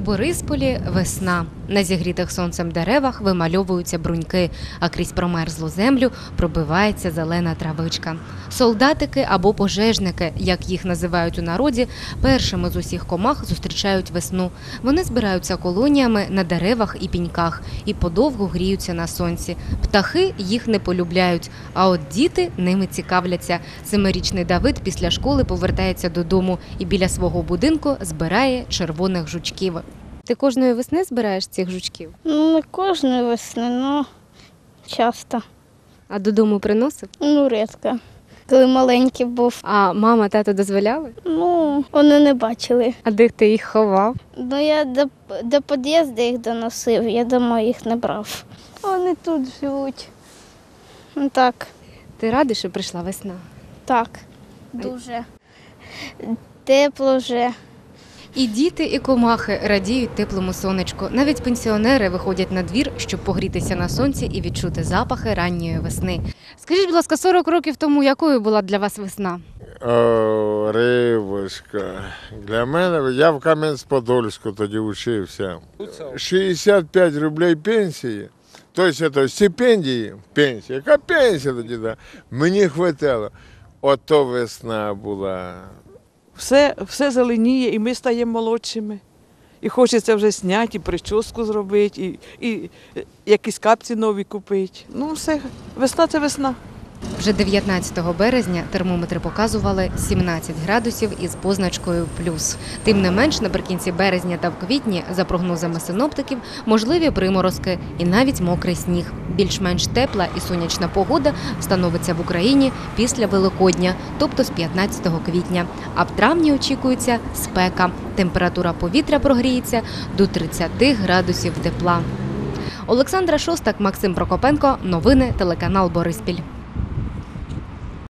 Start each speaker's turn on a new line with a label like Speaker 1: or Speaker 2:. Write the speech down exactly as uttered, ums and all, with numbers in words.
Speaker 1: Борисполі весна. На зігрітих сонцем деревах вимальовуються бруньки, а крізь промерзлу землю пробивається зелена травичка. Солдатики або пожежники, як їх називають у народі, першими з усіх комах зустрічають весну. Вони збираються колоніями на деревах і піньках і подовго гріються на сонці. Птахи їх не полюбляють, а от діти ними цікавляться. Семирічний Давид після школи повертається додому і біля свого будинку збирає червоних жучків. Ти кожної весни збираєш цих жучків?
Speaker 2: Ну, не кожної весни, але часто.
Speaker 1: А додому приносив?
Speaker 2: Ну, рідко. Коли маленький був.
Speaker 1: А мама, тато дозволяли?
Speaker 2: Ну, вони не бачили.
Speaker 1: А де ти їх ховав?
Speaker 2: Ну, я до, до під'їзду їх доносив, я дома їх не брав. Вони тут живуть. Ну, так.
Speaker 1: Ти радий, що прийшла весна?
Speaker 2: Так, дуже. Тепло вже.
Speaker 1: І діти, і комахи радіють теплому сонечку. Навіть пенсіонери виходять на двір, щоб погрітися на сонці і відчути запахи ранньої весни. Скажіть, будь ласка, сорок років тому якою була для вас весна?
Speaker 3: О, рибочка. Для мене, я в Кам'янець-Подольську тоді вчився. шістдесят п'ять рублей пенсії, тобто це стипендії, пенсія. Яка пенсія тоді? Да? Мені вистачало. Ото весна була.
Speaker 4: Все, все зеленіє, і ми стаємо молодшими. І хочеться вже зняти, і прическу зробити, і, і якісь капці нові купити. Ну все, весна – це весна.
Speaker 1: Вже дев'ятнадцятого березня термометри показували сімнадцять градусів із позначкою плюс. Тим не менш, наприкінці березня та в квітні, за прогнозами синоптиків, можливі приморозки і навіть мокрий сніг. Більш-менш тепла і сонячна погода встановиться в Україні після Великодня, тобто з п'ятнадцятого квітня. А в травні очікується спека. Температура повітря прогріється до тридцяти градусів тепла. Олександра Шостак, Максим Прокопенко. Новини телеканал Бориспіль.